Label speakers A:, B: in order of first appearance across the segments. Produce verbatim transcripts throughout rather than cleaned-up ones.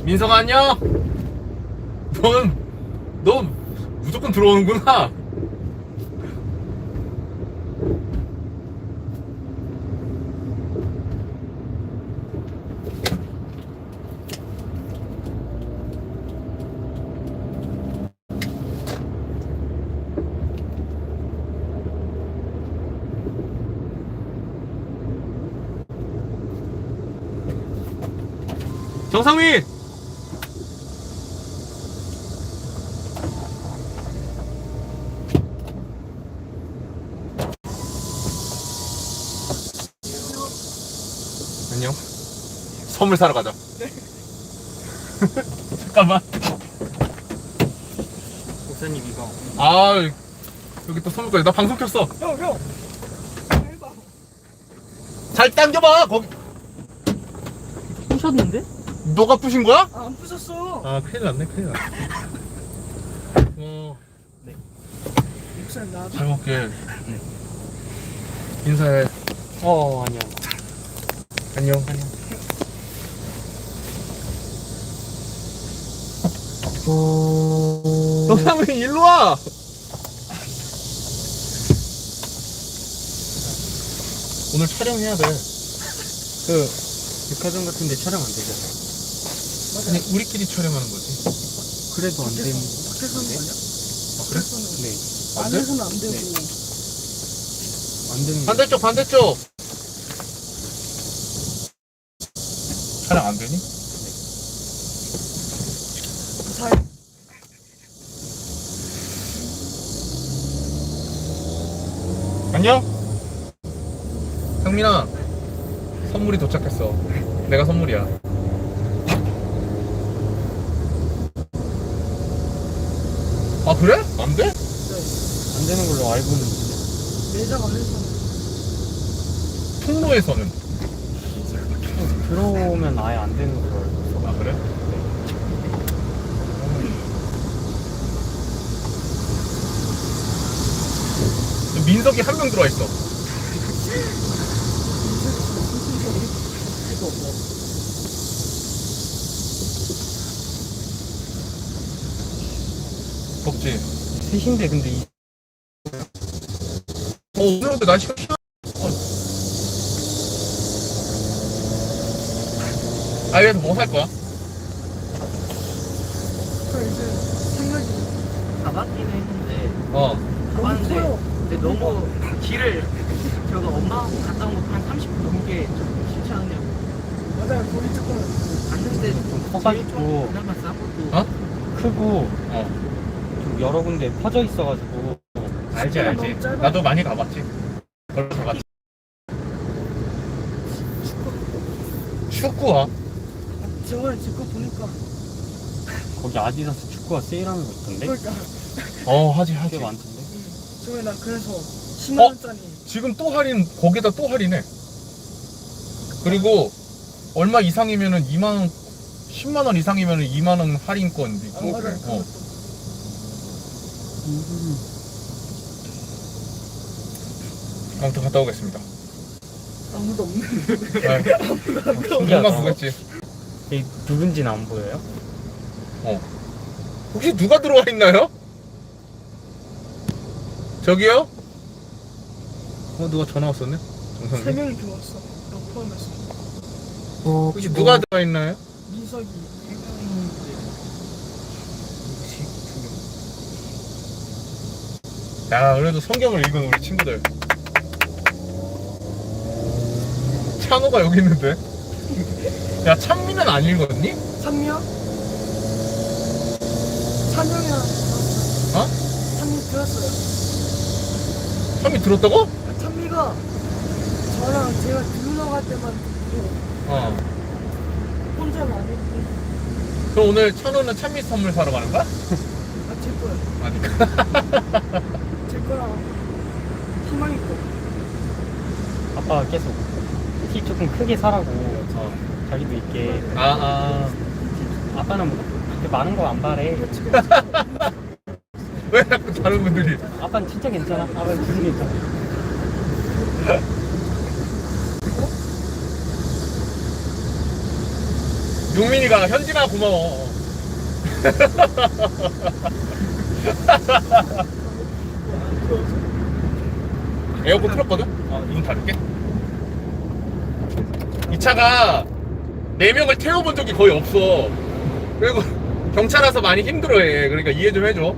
A: 민성아 안녕. 넌, 넌 무조건 들어오는구나. 정상민! 안녕. 선물 사러 가자. 네. 잠깐만.
B: 목사님 이거.
A: 아, 여기 또 선물까지. 나 방송 켰어.
B: 형 형. 해봐.
A: 잘 당겨봐. 거기.
B: 부셨는데?
A: 너가 부신 거야?
B: 아, 안 부셨어.
A: 아, 큰일 났네, 큰일 났네. 어,
B: 네. 목사님 나.
A: 잘 먹게.
B: 네.
A: 인사해.
B: 어 아니요.
A: 안녕.
B: 아니요.
A: 정상민 일로 와. 오늘 촬영해야 돼.
B: 그 백화점 같은데 촬영 안 되잖아요.
A: 아니, 우리끼리 촬영하는 거지.
B: 그래도 안 되는.
C: 밖에서는 아니야?
A: 아, 그래?
B: 네.
A: 안 돼?
C: 안에서는 안 되고.
B: 네. 안 되는.
A: 반대쪽, 반대쪽. 촬영 안 되니?
C: 잘.
A: 안녕? 상민아, 선물이 도착했어. 내가 선물이야. 아, 그래? 안 돼?
B: 안 되는 걸로 알고 있는데.
C: 매장 안에서는.
A: 통로에서는.
B: 들어오면 아예 안 되는 걸로 알고 있어.
A: 아, 그래? 민석이 한 명 들어와 있어. 덥지?
B: 셋인데 근데 이
A: 어, 오늘 근데 날씨가 시원. 아, 여기서 뭐 살 거야?
C: 그 이제 생각이
D: 가봤기는 했는데
A: 어.
C: 너무
D: 가봤는데
C: 커요.
D: 근데 너무 길을 저거 엄마하고 갔다 온 거 한 삼십 분 넘게 좀 싫지 않냐고
C: 맞아요. 거기 조금
D: 갔는데
B: 커가지고.
D: 제일 좀 그나마 싼 것도
A: 어?
B: 크고
A: 어.
B: 좀 여러 군데 퍼져 있어가지고.
A: 알지, 알지.
C: 너무 짧아.
A: 나도 많이 가봤지. 걸어서 갔지. 축구와?
C: 저번에 직구 보니까
B: 거기 아디다스 축구화 세일하는 거 있던데?
C: 그러니까
A: 어, 하지, 하지.
B: 꽤 많던데?
C: 저번에 나 그래서 십만 원짜리
A: 지금 또 할인, 거기다 또 할인해. 그리고 얼마 이상이면은 이만 원, 십만 원 이상이면은 이만 원 할인권 있고.
C: 아, 맞아요.
A: 어. 아무튼 갔다 오겠습니다.
C: 아무도 없는데.
A: 네.
B: 신기하다.
A: 금방 보겠지.
B: 이 누군지는 안 보여요?
A: 어. 혹시 누가 들어와 있나요? 저기요? 어, 누가 전화 왔었네?
C: 세
A: 정상님?
C: 명이 들어왔어. 나 포함해서.
A: 혹시 누가 들어와 있나요?
C: 민석이.
A: 야, 그래도 성경을 읽은 우리 친구들. 찬호가 여기 있는데? 야, 찬미는 안 읽었니?
C: 찬미야? 찬영이랑
A: 어?
C: 찬미 들었어요.
A: 찬미 들었다고?
C: 찬미가 저랑 제가 들으러 갈 때만 듣고
A: 어.
C: 혼자는 안 했고.
A: 그럼 오늘 찬호는 찬미 선물 사러 가는 거야?
C: 아, 제 거야.
A: 아니까.
C: 제 거랑 희망이 거.
B: 아빠가 계속 티 조금 크게 사라고
A: 어.
B: 자기도 있게.
A: 아, 아.
B: 아빠는 뭐 그렇게 많은 거 안 바래.
A: 왜 자꾸 다른 분들이.
B: 아빠는 진짜 괜찮아. 아빠는 진짜 괜찮아.
A: 용민이가 현진아 고마워. 에어컨 틀었거든? 어, 이건 닫을게. 이 차가 네 명을 태워본 적이 거의 없어. 그리고 경찰 와서 많이 힘들어해. 그러니까 이해 좀 해줘.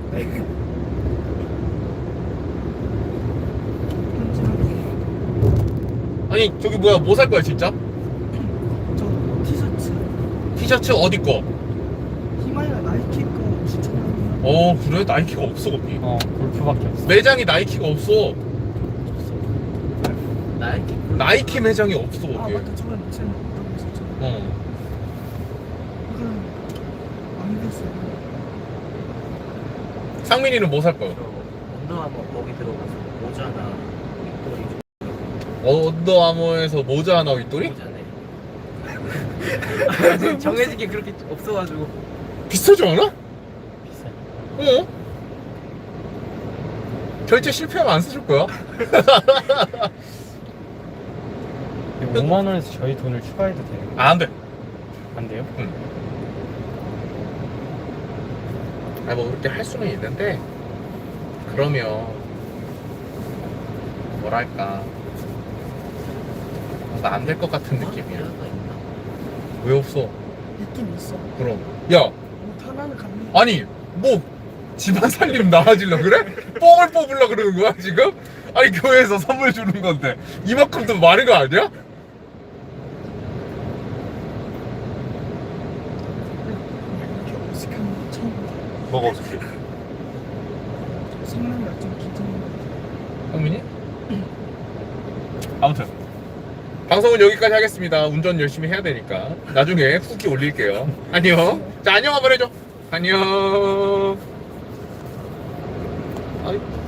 A: 아니 저기 뭐야, 뭐 살 거야 진짜?
C: 저 티셔츠
A: 티셔츠 어디 거?
C: 히마이가 나이키 거 추천합니다.
A: 어 그래? 나이키가 없어 거기.
B: 어 골프밖에 없어.
A: 매장이 나이키가 없어.
D: 나이키
A: 나이키 매장이 없어
C: 아
A: 거기.
C: 맞다, 저번에 제가 먹던 거 있었죠.
A: 어.
C: 그럼 안 됐어요.
A: 상민이는 뭐 살 거야?
D: 저 언더아머 거기 들어가서 모자나 윗돌이 좀
A: 언더아머에서 모자 하나 윗돌이?
D: 모자네. 정해진 게 그렇게 없어가지고.
A: 비싸지 않아?
B: 비싸.
A: 어? 결제 실패하면 안 사줄 거야?
B: 오만 원에서 저희 돈을 추가해도 되는
A: 아, 안 돼.
B: 안 돼요?
A: 응. 아니 뭐 그렇게 할 수는 있는데 그러면 뭐랄까 뭔가 안 될 것 같은 느낌이야. 왜 없어?
C: 있긴 있어.
A: 그럼 야
C: 뭐 하나는 갑니다.
A: 아니 뭐 집안 살림 나아지려 그래? 뽕을 뽑으려 그러는 거야 지금? 아니 교회에서 선물 주는 건데 이만큼도 많은 거 아니야?
C: 이렇게 어색한 거 처음 봐.
A: 뭐가 어떻게?
C: 성능이 좀 긴장이
A: 형민이? 아무튼 방송은 여기까지 하겠습니다. 운전 열심히 해야 되니까 나중에 후기 올릴게요. 안녕. 자 안녕 한번 해줘. 안녕. 아이.